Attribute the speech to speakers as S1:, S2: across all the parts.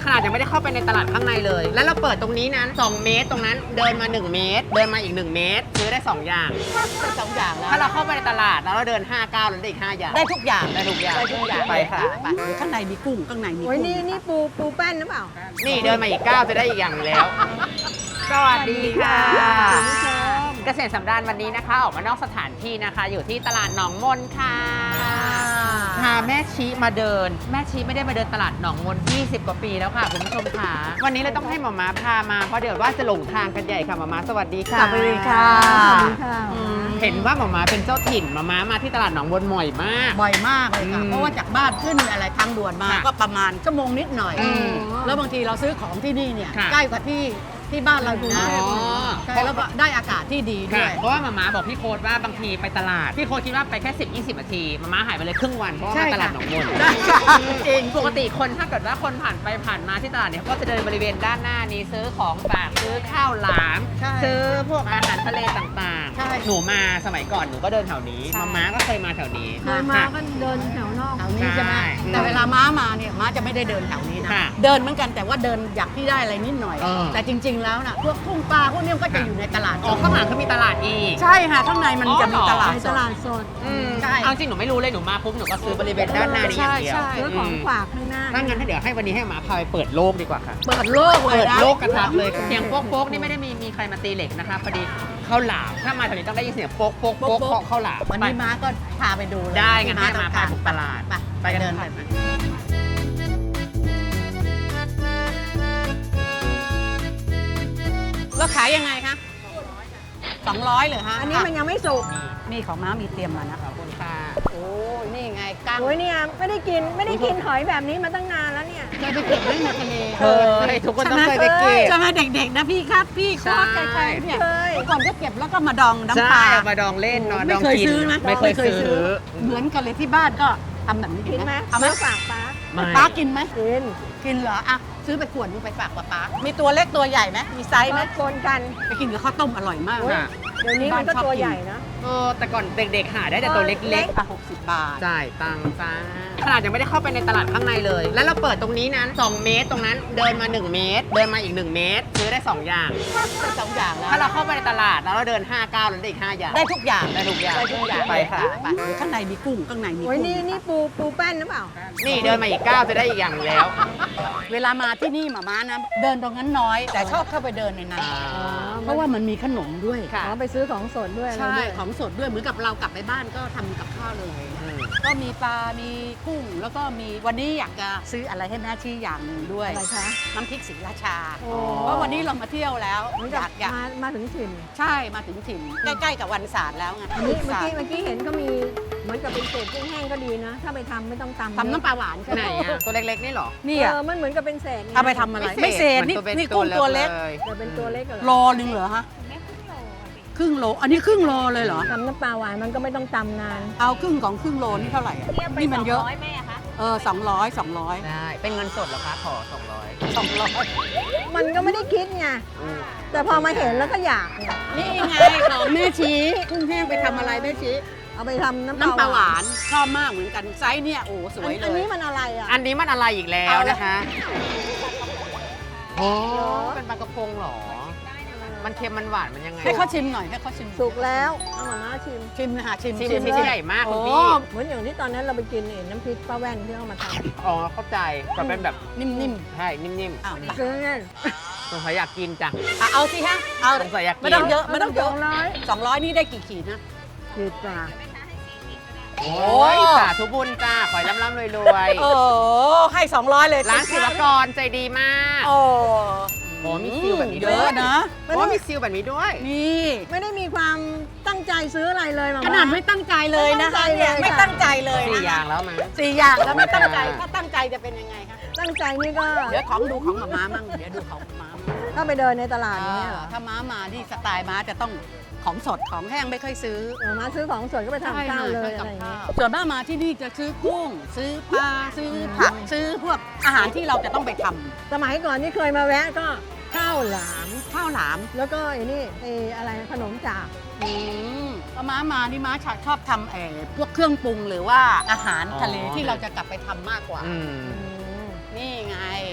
S1: ขนาดยังไม่ได้เข้าไปในตลาดข้างในเลย แล้วเราเปิดตรงนี้นั้น2เมตรตรงนั้นเดินมา1เมตรเดินมาอีก1เมตรซื้อได้2อย่าง
S2: ได้2 อย่างแล้ว
S1: ถ้าเราเข้าไปในตลาดแล้วเราเดิน5 ก้าวเราได้อีก5อย่าง
S2: ได้ทุกอย่าง
S1: ได้ทุกอย่าง
S2: ได้ทุกอย่าง
S1: ไปค่ะ
S2: ไปข้างในมีกุ้งข้างในมี
S3: โอ้ย
S2: กุ้ง
S3: นี่ปูแป้นหรือเปล่า
S1: นี่เดินมาอีกก้าวจะได้อีกอย่างหนึ่งแล้ว สวัสดีค่ะ
S3: คุณผู้ชม
S1: เกษตรสำราญวันนี้นะคะ ออกมานอกสถานที่นะคะ อยู่ที่ตลาดหนองมนค่ะพาแม่ชี้มาเดิน แม่ชี้ไม่ได้มาเดินตลาดหนองมน20 กว่าปีแล้วค่ะคุณผู้ชมค่ะวันนี้เลยต้องให้หมอม้าพามาเพราะเดี๋ยวว่าจะหลงทางกันใหญ่ค่ะหมอม้าสวัสดีค่ะ
S2: สวัสดีค่ะ
S3: สวัสดีค่ะ
S1: เห็นว่าหมอม้าเป็นเจ้าถิ่นหมอม้ามาที่ตลาดหนองมนบ่อยมาก
S2: บ่อยมากเลยค่ะ เพราะว่าจากบ้านขึ้นอะไรทางด่วนมา
S1: ค่ะ
S2: ก็ประมาณชั่วโมงนิดหน่อย
S1: อืม
S2: แล้วบางทีเราซื้อของที่นี่เนี่ย
S1: ค่ะ
S2: ใกล้กว่าที่บ้านเราอยู่นะ
S1: อ๋อ
S2: ใช่แล้วก็ได้อากาศที่ดีด้
S1: ค่ะ
S2: วย
S1: เพราะว่าหมาม้าบอกพี่โค้ดว่าบางทีไปตลาด พี่โค้ดคิดว่าไปแค่ 10-20 นาทีหมาม้าหายไปเลยครึ่งวันเพราะว่า
S2: ใช่
S1: มา
S2: ค่ะ
S1: ตลาดหนองมน
S2: ใช่ค่ะจริง
S1: ปกติคนถ้าเกิดว่าคนผ่านไปผ่านมาที่ตลาดเนี่ยเขาก็จะเดินบริเวณด้านหน้านี้ซื้อของฝากซื้อข้าวหลาม
S2: ใช่
S1: ซื้อพวกอาหารทะเลต่าง
S2: ใช่
S1: ๆ หนูมาสมัยก่อนหนูก็เดินแถวนี้
S2: ใช่
S1: หมาม้าก็เคยมาแถวนี้
S3: เคยมาก็เดินแถวนอก
S2: แถวนี้ใช่ไหม
S1: ใช่
S2: แต่เวลาม้ามาเนี่ยม้าจะไม่ได้เดินแถวนี้นะ
S1: ค่ะ
S2: เดินเหมือนกันแต่ว่าเดินอยากที่ได้อะไรนิดหน่อย
S1: เออ
S2: แต่จริง ๆ แล้วนะพวกกุ้งปลาพวกนี้มันก็จะอยู่ในตลาด
S1: อ๋อข้างหลังก็มีตลาดอีก
S2: ใช่ค่ะข้างในมัน
S1: อ๋อ
S2: จะมีตลาด
S3: ใน
S2: ส
S3: ต
S2: ด
S3: ลาดสด
S2: ใช่
S1: เอาจริงหนูไม่รู้เลยหนูมาปุ๊บหนูก็ซื้อบริเวณด้านหน้านี้อย่างเดียว
S2: ใช่
S3: ซื้อของฝากข้างหน้า
S1: ถ้างั้นถ้าเดี๋ยวให้วันนี้ให้หมาพาไปเปิดโลกดีกว่าค่ะ
S2: เปิดโลกเลย
S1: เปิด
S2: นะ
S1: โลกกระทัดเลยเสียงโป๊กๆนี่ไม่ได้มีใครมาตีเหล็กนะคะพอดีข้าวหลามถ้ามาแถวนี้ต้องได้ยินเสียงโป๊กๆๆของข้าวหลาม
S2: วันนี้ม้าก็พาไปดูเลย
S1: ได้งั้นให้
S2: ที่
S1: มา
S2: ต้
S1: พา
S2: อง
S1: บุกตลาด
S2: ไปกัน
S1: เดิ
S2: เดิ
S1: น
S2: น
S1: ไป
S2: ไปแล้วขายยังไงคะ200เหรอฮะ
S3: อันนี้มันยังไม่สุก
S2: นี่ของม้ามีเตรียมมานะ
S1: ขอบคุณค่ะ
S2: โอ้ยนี่ไงกั้ง
S3: โอ้ยเนี่ยไม่ได้กินหอยแบบนี้มาตั้งนานแล้วเนี่ย
S2: เคยไปเก็บไว้ในทะเล
S1: เคยทุกคนต้องเคยไปเก็บ
S2: ใช่ไหมเด็กๆนะพี่ครับพี่โคตร
S1: ใช่
S2: ใครๆเนี่ย
S3: เคย
S2: ก่อนก็เก็บแล้วก็มาดองน้ำ
S1: ใช่
S2: ปลา
S1: เอามาดองเล่นเนาะด
S2: ไม่
S1: อง
S2: เคย
S1: กิน
S2: ซื้อนะ
S1: ไม่เคยซื้อ
S2: เหมือนกันเลยที่บ้านก็ทำแบบนี้
S3: กินไหม
S2: เอาไหม
S3: ซื้อฝากป้า
S1: ไม่
S2: ป้ากินไหม
S3: กิน
S2: กินเหรออ่ะซื้อไปขวดนึงไปฝากป้ามีตัวเล็กตัวใหญ่ไหมมีไซส์ไหม
S3: มาคนกัน
S2: ไปกินกับข้าวต้มอร่อยมาก
S3: โอ้ย
S1: ค่ะ
S3: เดี๋ยวนี้มันก็ตัวใหญ่นะ
S1: แต่ก่อนเด็กๆหาได้แต่ตัวเล็ก
S2: อ่ะ60 บาท
S1: ๆจ่ายตังค์จ้าขนาดยังไม่ได้เข้าไปในตลาดข้างในเลย แล้วเราเปิดตรงนี้นั้น2เมตรตรงนั้นเดินมา1เมตรเดินมาอีก1เมตรซื้อได้2อย่าง
S2: ได้2 อย่างแล้ว
S1: ถ้าเราเข้าไปในตลาดแล้วเราเดิน5 ก้าวเราได้อีก5อย่าง
S2: ได้ทุกอย่าง
S1: ได้ทุกอย่าง
S2: ได้ทุกอย่าง
S1: ไปค่ะ
S2: ไปข้างในมีกุ้งข้างในมี
S3: โอ้ย
S2: กุ้ง
S3: นี่ปูแป้นหรือเปล่า
S1: นี่เดินมาอีกก้าวจะได้อีกอย่างหนึ่งแล้ว
S2: เวลามาที่นี่หมาม้านะเดินตรงนั้นน้อย แต่ชอบเข้าไปเดินในนั้น เพราะว่ามันมีขนมด้วย
S1: ค่ะ
S3: อ๋อไปซื้อของสดด้วยอะไร
S2: ใช่
S3: ด้วย
S2: ของสดด้วยเหมือนกับเรากลับไปบ้านก็ทำกับข้าวเลย ก็มีปลา มีกุ้ง แล้วก็มีวันนี้อยากจะซื้ออะไรให้แม่ชี้อย่างหนึ่งด้วย
S3: อะไรคะ
S2: น้ำพริกศรีราชา
S3: โอ้
S2: เพราะวันนี้เรามาเที่ยวแล้ว
S3: เหมือน
S2: อ
S3: กับ
S2: ยาก
S3: มาถึงถิ่น
S2: ใช่มาถึงถิ่นใกล้ๆกับวันศาสตร์แล้วไง
S3: อันนี้เมื่อ
S2: ศาสต
S3: กี้
S2: ร์
S3: เมื่อกี้เห็นก็มีเหมือนกับเป็นเศษกุ้งแห้งก็ดีนะ ถ้าไปทำไม่ต้องตำ
S2: ทำน้ำปลาหวานใช่
S1: ไหน
S2: ไหม
S1: อะตัวเล็กๆนี่เหรอ
S2: นี่
S3: เอ
S2: อ่ะ
S3: อมันเหมือนกับเป็นเศษง
S2: เอาไปทำอะไรไม่เศษนี่
S1: มั
S2: นี่กุ้งตัวเล็ก
S1: ย
S3: แต่เป็นตัวเล็กเหร
S2: โล
S3: อ
S2: นึงเหรอฮะครึ่งโลอันนี้ครึ่งโลเลยเหรอ
S3: ทำน้ำปลาหวานมันก็ไม่ต้องตำนาน
S2: เอาครึ่งของครึ่งโลนี่เท่าไหร่อะนี่มันเยอะ200
S1: ได้ เป็นเงินสดเหรอคะ ขอ 200
S3: มันก็ไม่ได้คิดไง แต่พอมาเห็นแล้วก็อยากเนี่ย
S2: นี่ไงของแม่ชี้กุ้งแห้งไปทำอะไรแม่ชี้
S3: เอาไปทำน้ำ
S2: น้ำปลาหวานชอบมากเหมือนกันไซส์เนี่ยโอ้สวยเล
S3: อัน
S2: ย
S3: นี้มันอะไรอ่ะ
S1: อันนี้มันอะไรอีกแล้ว
S2: เอาละ
S1: นะคะโอ้เป็นปลากระพงเหรอ มันเค็มมันหวานมันยังไง
S2: ให้เขาชิมหน่อยให้เขาชิม
S3: สุกแล้วเอามาม่าชิม
S2: ชิมนะคะชิม
S1: ชิม
S3: ชิม
S1: ที่
S3: เลย
S1: ใหญ่มากคุณ
S2: โอ้
S1: พี่
S3: เหมือนอย่างที่ตอนนั้นเราไปกินน้ำพริกป้าแว่นที่เอามาท
S1: อ๋อ เข้าใจก็เป็นแบบ
S2: นิ่ม
S1: ใช่ นิ่ม
S2: ๆอ้าว
S3: ำซื้อเนี่ย
S1: ๆสงสัยอยากกินจัง
S2: เอาสิฮะเอา
S1: สงสัยอยากกิน
S2: ไม่ต้องเยอะไม่ต้องเยอะ
S3: 200
S2: 200นี่ได้กี่ขีดนะ
S3: ขีดจ้า
S1: โอ้ยสาธุบุญจ้า ขอให้ร่ำๆรวย
S2: โอ้ให้200เลย
S1: ๆร้านศิลปากรใจดีมาก
S2: โอ้
S1: โอ้มีซิลแบบนี้
S2: เย
S1: ด้วย
S2: อะนะ
S1: โอ้มีซิลแบบนี้ด้วย
S2: นี่
S3: ไม่ได้มีความตั้งใจซื้ออะไรเลยมา
S2: ขนาดไม่ตั้งใจเลยนะคะเนี่ย
S3: ไม่
S2: ไม่
S3: ตั้
S2: ตั้
S3: ง
S2: ง
S3: ใจ
S2: ใจ
S3: เล
S2: เลย ย
S1: 4 อย่างแล้วมั้ง
S2: 4 อย่างแล้วไม่ตั้งใจถ้าตั้งใจจะเป็นยังไงคะ
S3: ตั้งใจนี่ก็
S2: เดี๋ยวของดูของหมามั่งเดี๋ยวดูของหมามั่ง
S3: ถ้าไปเดินในตลาดนี้เหรอ
S2: ถ้าม้ามาที่สไตล์ม้าจะต้องของสดของแห้งไม่ค่อยซื้อ
S3: มาซื้อของสดก็ไปทำข้าวเลยอะไรอย่างเงี้ย
S2: ส่วนมากมาที่นี่จะซื้อกุ้ง ซื้อปลาซื้อผักซื้อพวกอาหารที่เราจะต้องไปทำ
S3: สมัยก่อนที่เคยมาแวะก็ข้าวหลาม
S2: ข้าวหลาม
S3: แล้วก็ไอ้นี่ไอ้อะไรขนมจาก
S2: พอม้ามานี่ม้าชอบทำพวกเครื่องปรุงหรือว่าอาหารทะเล
S1: อ๋อ
S2: ที่เราจะกลับไปทำมากกว่า
S1: อืม
S2: นี่ไง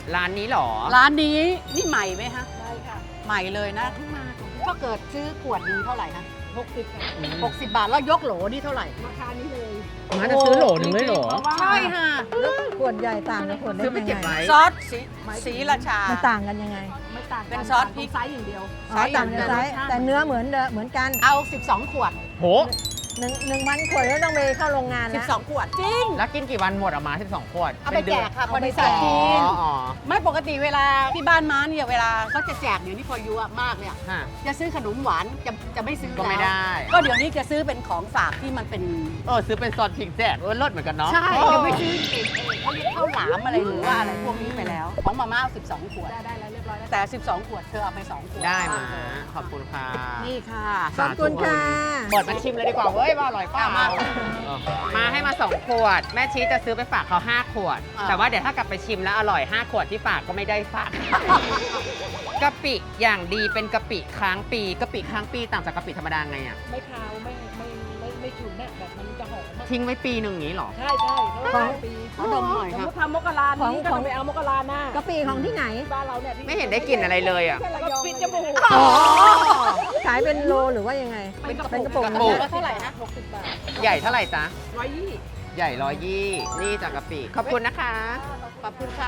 S1: ร้านนี้เหรอ
S2: ร้านนี้นี่ใหม่ไหมฮะ
S3: ใช่ค่ะ
S2: ใหม่เลยนะเพิ่งมาถ้าเกิดซื้อขวดหนึงเท่าไหร่คะ
S3: 60 ค่ะ
S2: 60 บาทแล้วยกโหลนี่เท่าไหร่
S3: ราคานี้เลย
S1: มาจะซื้อโหลหนึ่งเลยเหรอ
S2: ใช่ค่ะ
S3: แล้วขวดใหญ่ต่างกับขวดเล็ก
S1: ซื้อไป
S3: ยัง
S1: เก็บ
S3: ไง
S1: ไว้
S2: ซอสสีราชา
S3: มันต่างกันยังไง
S4: ไม่ต่างกั
S2: เป็นซอสพริก
S4: ไซส์อย่างเดียว
S3: อ๋อต่างกันไซส์แต่เนื้อเหมือนกัน
S2: เอา 12 ขวด
S1: โห
S3: 1,000 ขวดแล้วต้องไปเข้าโรงงานแล้ว
S2: 12 ขวด จริง
S1: แล้วกินกี่วันหมดออกมา12ขวด
S2: เอาไปแจกค่ะ
S3: เอาไป
S2: บริษัท
S3: แจก
S2: กิน
S1: อ๋อ
S2: ไม่ปกติเวลาที่บ้านม้าเนี่ยเวลาเขาจะแจกเดี๋ยวนี้พออายุมากเนี่ย
S1: ฮะ
S2: จะซื้อขนมหวานจะไม่ซื้อ
S1: ก็ไม่
S2: แล้ว
S1: ได้
S2: ก็เดี๋ยวนี้จะซื้อเป็นของฝากที่มันเป็น
S1: ซื้อเป็นซอสพริกแจกเลิศเหมือนกันเนาะ
S2: ใช่จะไม่ซื้อเขาเรียกข้าวหลามอะไรหรือว่าอะไรพวกนี้ไปแล้ว ของมาม่าเอา12 ขวด
S4: ได้แล้วเรียบร้อยแล้ว
S2: แต่ 12 ขวดเธอเอาไป 2 ขวด
S1: ได้มาขอบคุณค่ะ
S2: นี่ค่ะ
S3: ขอบคุณค่ะ
S1: เปิดมาชิมเลยดีกว่าเว้ยว่าอร่อยเปล่า
S2: มา
S1: มาให้มา 2 ขวด แม่ชี้จะซื้อไปฝากเขา5 ขวด
S2: อ่า
S1: แต่ว่าเดี๋ยวถ้ากลับไปชิมแล้วอร่อย 5 ขวดที่ฝากก็ไม่ได้ฝาก กะปิอย่างดีเป็นกะปิค้างปีกะปิค้างปีต่างจากกะปิธรรมดาไงอ่ะ
S4: ไม่คาวไม่ฉุนเนี่ยแบบมันจะหอมมาก
S1: ทิ้งไว้ปีหนึ่งอย่างนี้เหรอ
S4: ใช่เขาขายปี
S2: ขอดมหน่อย
S4: สม
S2: ครั
S4: ม
S2: บ
S4: ติทำมกรานี้ก็ต้องไปเอามกราหน้าก
S3: ะปิของที่ไหน
S4: บ้านเราเนี่ย
S1: ไม่เห็นได้กลิ่นอะไรเลยอ่ะ
S4: ก็ปิดจมูก
S3: อ๋อ ขายเป็นโลหรือว่ายังไง
S4: เป็นกระ
S3: เป็นกระ
S4: ปุ
S3: ปุ
S4: ก
S3: ก
S1: กระปุก
S2: แล้วเท่าไหร่นะ
S4: 60 บาท
S1: ใหญ่เท่าไหร่จ๊ะ
S4: 120
S1: ใหญ่120นี่จากกะปิขอบคุณนะคะ
S2: ขอบคุณค่ะ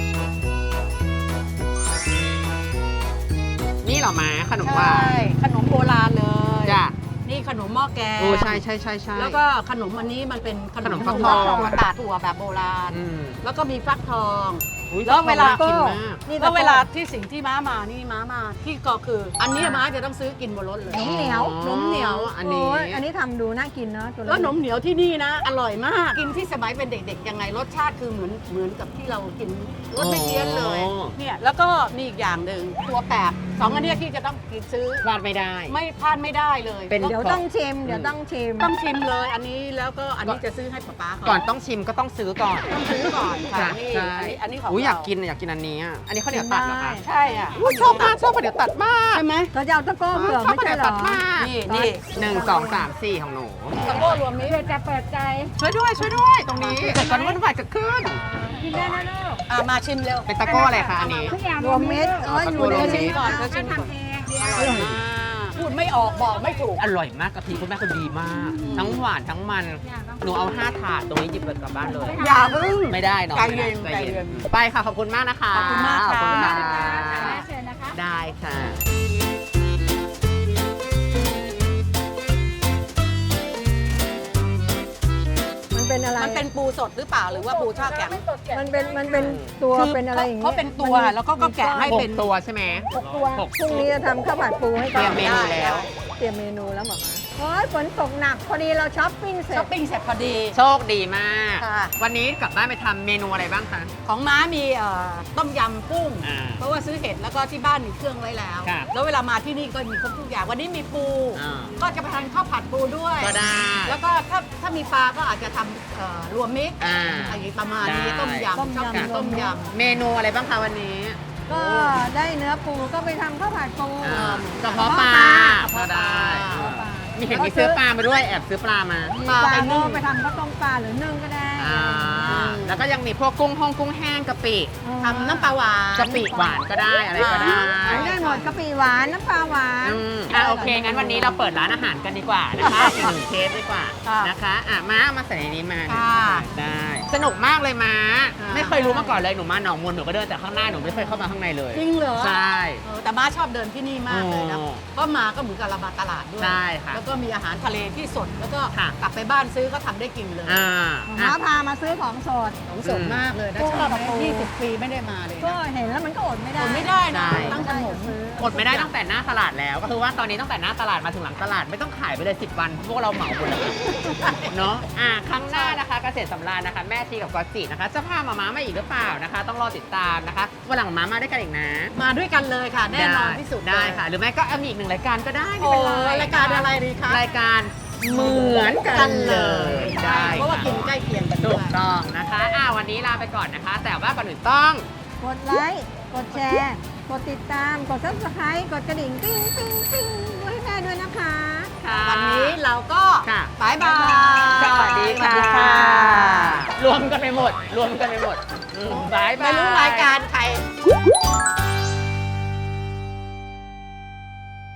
S1: นี่เหรอมาขนมหวา
S2: ใช่
S1: น
S2: ขนมโบราณเลย
S1: จ้ะ
S2: นี่ขนมหม้อแกง
S1: โอ้ใช่ใช่ใช่ใช่
S2: แล้วก็ขนมอันนี้มันเป็นขน
S1: ขน
S2: ม
S1: มฟักทอง
S2: กระดาษถั่วแบบโบราณ
S1: อืม
S2: แล้วก็มีฟักทอง
S1: อุ๊ย
S2: แล้วเวลา
S1: น่กินมาก
S3: นี่
S2: แล้วเวลาที่สิ่งที่ม้ามานี่ม้ามาที่ก็คือ อันนี้ม้าจะต้องซื้อกินบนรถเลย
S3: นมเหนียว
S2: นมเหนียว
S1: อันนี้
S3: โยอันนี้ทำดูน่ากินเนาะตัว
S2: แล้วนมเหนียวที่นี่นะ อร่อยมาก กินที่สมัยเป็นเด็กๆยังไงรสชาติคือเหมือนกับที่เรากินรสไม่เพี้ยนเลย
S1: อ๋อ
S2: เนี่ยแล้วก็มีอีกอย่างหนึ่งตัวแปบสองอันเนี้ยที่จะต้องกินซื้อ
S1: พลาดไม่ได้
S2: ไม่พลาดไม่ได้เลย
S1: เป็น
S3: เดี๋ยวต้องชิม เดี๋ยวต้องชิม
S2: ต้องชิมเลยอันนี้แล้วก็อันนี้จะซื้อให้ป๊าๆ
S1: ก่อนต้องชิมก็ต้องซื้อก่อน
S2: ต้องซื้อก่อนค่ะ
S1: จ้ะ
S2: นี่
S1: ใช่
S2: อันนี้ของ
S1: อุ๊ยอยาก
S2: เร
S1: กินอยากกินอันนี้อ่ะอันนี้ข้าวเหนียวตัดเหรอคะ
S2: ใช่อ่ะ
S1: อุ๊ยชอบมากชอบข้าวเหนียวตัดมาก
S2: ใช่ไหม
S3: เขาจะเอาตะโก้เผือก
S1: ชอบ
S3: ไม่
S1: ข้าวเห
S3: ใช่
S1: นียว
S3: เหร
S1: ตั
S3: อ
S1: ดมาก
S2: นี่
S1: 1 2 3 4ของหนู
S2: ตะโก้รวมมิตร
S4: เพื่อจะเปิดใจ
S1: ช่วยด้วยช่วยด้วยตรงนี้เกิดการวุ่นวายเกิดขึ้น
S4: กินได้นะลูก
S2: มาชิมเร็ว
S1: เป็นตะโก้อะไรคะอันนี้
S4: ทุกอย่าง
S3: รวมเม็ดเอออยู่ใน
S1: รวมเม็
S3: นี้
S1: ด
S2: ก่อนก็ชิมก่อน
S4: ทำเอง
S2: อร่อยมากพูดไม่ออกบอกไม่ถูก
S1: อร่อยมากกะทิคุณแม่คนดีมาก ทั้งหวานทั้งมัน หนูเอา5 ถาดตรงนี้หยิบกลับบ้านเลย
S2: อย่าพึ่ง
S1: ไม่ได้เนาะ
S2: ใจเย็น
S1: ใจ
S2: ใจเย็
S1: เย็น
S2: น
S1: ไปค่ะขอบคุณมากนะคะ
S2: ขอบคุณมากค่ะ
S1: ขอบคุณค่ะ
S4: แม่เชิญนะคะ
S1: ได้ค่ะ
S3: มันเป็นอะไร
S2: มันเป็นปูสดหรือเปล่าหรือว่าปูทอดแข็ง
S3: มันเป็นตัว
S2: คือ
S3: เป็นอะไรอย่าง
S2: เขาเป็นตัวแล้วก็แกะให้
S1: ห
S2: เป็
S1: ก
S2: น
S1: ตัวใช่ไหม
S3: 6 ตัว
S1: หก
S3: พรุ่งนี้จะทำข้าวผัดปูให้
S1: เตรียมเมนู
S2: ได้
S1: แล้ว
S3: เตรียมเมนูแล้วหมอมาโอ้ยฝนตกหนักพอดีเราช้อปปิ้งเสร็จ
S2: ช้อปปิ้งเสร็จพอดี
S1: โชคดีมาก
S2: ค่ะ
S1: วันนี้กลับบ้านไปทำเมนูอะไรบ้างคะ
S2: ของม้ามีต้มยำกุ้ง
S1: อ่า
S2: เพราะว่าซื้อเห็ดแล้วก็ที่บ้านมีเครื่องไว้แล้ว
S1: ครับ
S2: แล้วเวลามาที่นี่ก็มีครบทุกอย่างวันนี้มีปู
S1: อ่า
S2: ก็จะไปทานข้าวผัดปูด้วย
S1: ก็ได้
S2: แล้วก็ถ้ามีปลาก็อาจจะทำรวมมิตร
S1: อ่า
S2: อะไรประมาณนี้
S1: ได้
S2: ต้มยำชอบกินต้มย
S1: เมนูอะไรบ้างคะวันนี้
S3: ก็ได้เนื้อปูก็ไปทำข้าวผัดปู
S1: อ่ากระเพาะปลาก็ได้
S3: กระเพาะปลา
S1: มีเห็นมีซื้อปลามาด้วยแอบซื้อปลามา
S3: มีปลาก็ไปทำข้าวต้มปลาหรือนึ่งก็ได้
S1: อ่าแล้วก็ยังมีพวกกุ้งห้องกุ้งแห้งกะปิ
S2: ำทำน้ำปลาหวาน
S1: กะปิหวานก็ได้อะไรก็ได้
S3: ได้หมดกะปิหวานน้ำปลาหวาน
S1: โอเค งั้นวันนี้เราเปิดร้านอาหารกันดีกว่านะคะอีกหนึ่งเคสดีกว่านะคะม้าเอามาใส่ในนี้มาเนี่ยได้ สนุกมากเลยม้า ไม่เคยรู้มาก่อนเลยหนูมาหนองมนหนูก็เดินแต่ข้างหน้าหนูไม่เคยเข้ามาข้างในเลย
S2: จริงเหรอ
S1: ใช่
S2: แต่ม้าชอบเดินที่นี่มากเลยนะ
S1: โอ้
S2: ก็มาก็เหมือนกับเรามาตลาดด้วย
S1: ใช่ค่ะ
S2: แล้วก็มีอาหารทะเลที่สดแล้วก็
S1: ค่ะ
S2: กลับไปบ้านซื้อก็ทำได้กินเลย
S1: อ่า
S3: หมาพามาซื้อของสด
S2: ของสดมากเลยนะ
S3: กุ้ง
S2: ชอบ
S3: กับปู
S2: 20 ปีไม่ได้มาเลย
S3: ก็
S2: นะ
S3: เห็นแล้วมันก็อดไม่ได้
S2: อดไม่ได้นะ
S1: ใช่
S2: ตั้งขนม
S1: อดไม่ได้ตั้งแต่หน้าตลาดแล้ว ก็คือว่าตอนนี้ตั้งแต่หน้าตลาดมาถึงหลังตลาดไม่ต้องขายไปเลย10 วันพวกเราเหมาหมดเลยเนาะครั้งหน้านะคะเกษตรสำราญนะคะแม่ชีกับก๊อตจินะคะจะพามาม้ามาอีกหรือเปล่านะคะ ต้องรอติดตามนะคะวันหลังม้ามาด้วยกันอีกนะ
S2: มาด้วยกันเลยค่ะ แน่นอนที่สุด
S1: ได้
S2: เลย
S1: ค่ะ หรือไม่ก็มีอีกหนึ่งรายการก็ได้ไม่
S2: โอ้
S1: เป็นไร
S2: รายการอะไรดีคะ
S1: รายการเหมือนกันเลยได้
S2: เพราะว่ากินใกล้เคียงกัน
S1: ถู
S2: ด้ว
S1: ก
S2: ย
S1: ต้องนะคะวันนี้ลาไปก่อนนะคะ แต่ว่าก่อนอื่นต้อง
S3: กดไลค์ กดแชร์ กดติดตาม กด subscribe กดกระดิ่งติ้งติ้งติ้งด้วยให้ได้ด้วยนะคะ
S1: ค่ะ
S2: วันนี้เราก็
S1: ค่ะ
S2: บายบาย
S1: สวัสดี
S2: สวัสดี
S1: ค่ะ
S2: ค่ะ
S1: รวมกันไปหมด รวมกันไปหมดบายบาย
S2: ไม่รู้รายการใคร